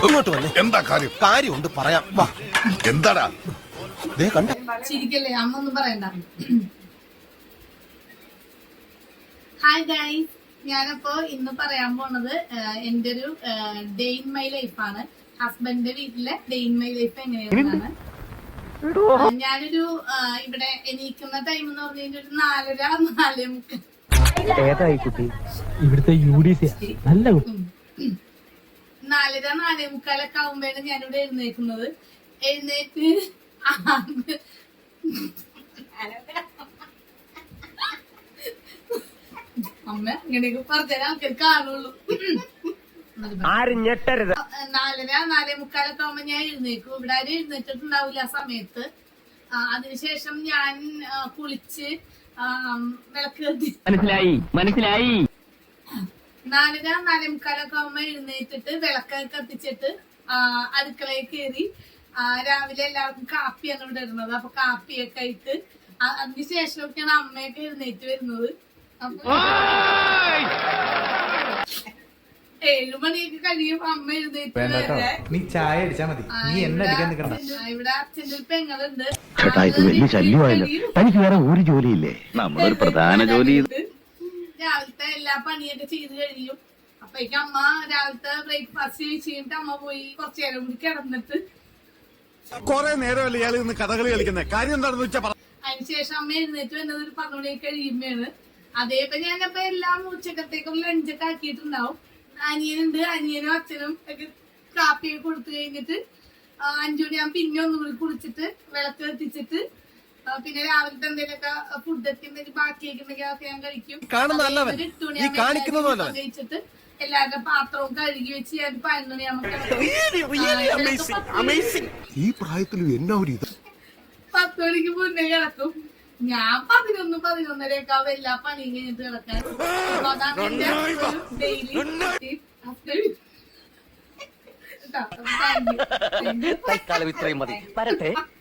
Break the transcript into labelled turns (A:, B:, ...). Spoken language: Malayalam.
A: ഇങ്ങോട്ട് വന്നേ.
B: എന്താ കാര്യം?
A: കാര്യമുണ്ട് പറയാം. വാ.
B: എന്താടാ?
A: കണ്ട
C: ചിരിക്കല്ലേ, അമ്മ ഒന്നും പറയണ്ട. ഹായ് ഗൈസ്, ഞാനപ്പോ ഇന്ന് പറയാൻ പോണത് എന്റെ ഒരു ഡേ ഇൻ മൈ ലൈഫാണ്. ഹസ്ബൻഡിന്റെ വീട്ടിലെ ഡേ ഇൻ മൈ ലൈഫ് എങ്ങനെയാണെന്നാണ്. ഞാനൊരു ഇവിടെ എണീക്കുന്ന ടൈം എന്ന് പറഞ്ഞു കഴിഞ്ഞാൽ ഒരു 4:30
D: ഏതായി കുട്ടി? ഇവിടുത്തെ നല്ല
C: 4:45 ആവുമ്പോഴാണ് ഞാനിവിടെ എഴുന്നേക്കുന്നത്. എഴുന്നേറ്റ് അമ്മ ഇങ്ങനെയൊക്കെ പറഞ്ഞാൽ ആൾക്കാർ കാണുള്ളൂ.
D: 4:45
C: ആവുമ്പോ ഞാൻ എഴുന്നേക്കും. ഇവിടെ ആരും എഴുന്നേറ്റിട്ടുണ്ടാവില്ല ആ സമയത്ത്. അതിനുശേഷം ഞാൻ കുളിച്ച് വിളക്ക് കത്തി.
D: മനസ്സിലായി
C: 4:45 ആവുമ്പോ എഴുന്നേറ്റിട്ട് വിളക്ക് കത്തിച്ചിട്ട് അടുക്കളയിൽ കയറി രാവിലെ എല്ലാവർക്കും കാപ്പിയാണ് ഇവിടെ ഇടുന്നത്. അപ്പൊ കാപ്പിയൊക്കെ ഇട്ട് അതിനുശേഷമൊക്കെയാണ് അമ്മയൊക്കെ എഴുന്നേറ്റ് വരുന്നത്. അപ്പൊ 7 മണിയൊക്കെ കഴിയും അമ്മ എഴുന്നേറ്റ്.
E: നീ ചായ അടിച്ചാ മതി, നീ എന്നെ അടിക്കാൻ നിൽക്കണ്ട.
C: ഇവിടെ അച്ഛൻ്റെ ഒരു പെങ്ങളുണ്ട്.
F: തനിക്ക് വേറെ ഒരു ജോലിയില്ലേ? നമ്മളൊരു പ്രധാന ജോലി.
C: രാവിലത്തെ എല്ലാ പണിയൊക്കെ ചെയ്ത് കഴിയും. അപ്പഴേക്കും അമ്മ രാവിലത്തെ ബ്രേക്ക്ഫാസ്റ്റ് കഴിച്ചിട്ട് അമ്മ പോയി കുറച്ചു നേരം കൂടി കിടന്നിട്ട്
B: കൊറേ നേരമല്ലേ ഇയാൾ ഇന്ന് കഥകളി കളിക്കുന്നത്? കാര്യം എന്താണെന്ന് വെച്ചാ
C: അതിനുശേഷം അമ്മ എഴുന്നേറ്റ് വന്നത് ഒരു 10 മണിയൊക്കെ കഴിയുമ്പോഴാണ്. അതേപോലെ ഞാനപ്പോ എല്ലാം ഉച്ചക്കത്തേക്കും ലഞ്ചൊക്കെ ആക്കിയിട്ടുണ്ടാവും. അനിയനുണ്ട്, അനിയനും അച്ഛനും ഒക്കെ കാപ്പിയൊക്കെ കൊടുത്തു കഴിഞ്ഞിട്ട് 5 മണിയാകുമ്പോൾ പിന്നെ ഒന്നും കൂടി കുളിച്ചിട്ട് വിളക്ക് കത്തിച്ചിട്ട് പിന്നെ രാവിലത്തെ എന്തെങ്കിലുമൊക്കെ ഫുഡൊക്കെ എന്തെങ്കിലും ബാക്കിയൊക്കെ ഉണ്ടെങ്കിൽ അതൊക്കെ ഞാൻ കഴിക്കും.
A: 8 മണിയാകുമ്പോൾ
C: കഴിച്ചിട്ട് എല്ലാവരുടെ പാത്രവും കഴുകി വെച്ച് ഞാൻ 11 മണിയാകുമ്പോൾ
A: ഈ പ്രായത്തിലും എന്നാ ഒരു ഇത്.
C: 10 മണിക്ക് മുന്നേ കിടക്കും. ഞാൻ 11-11:30 ആവും എല്ലാ പണിയും കഴിഞ്ഞിട്ട് കിടക്കാൻ. അതാണ് എന്റെ ഡെയിലി
D: തൽക്കാലം ഇത്രയും മതി. വരട്ടെ.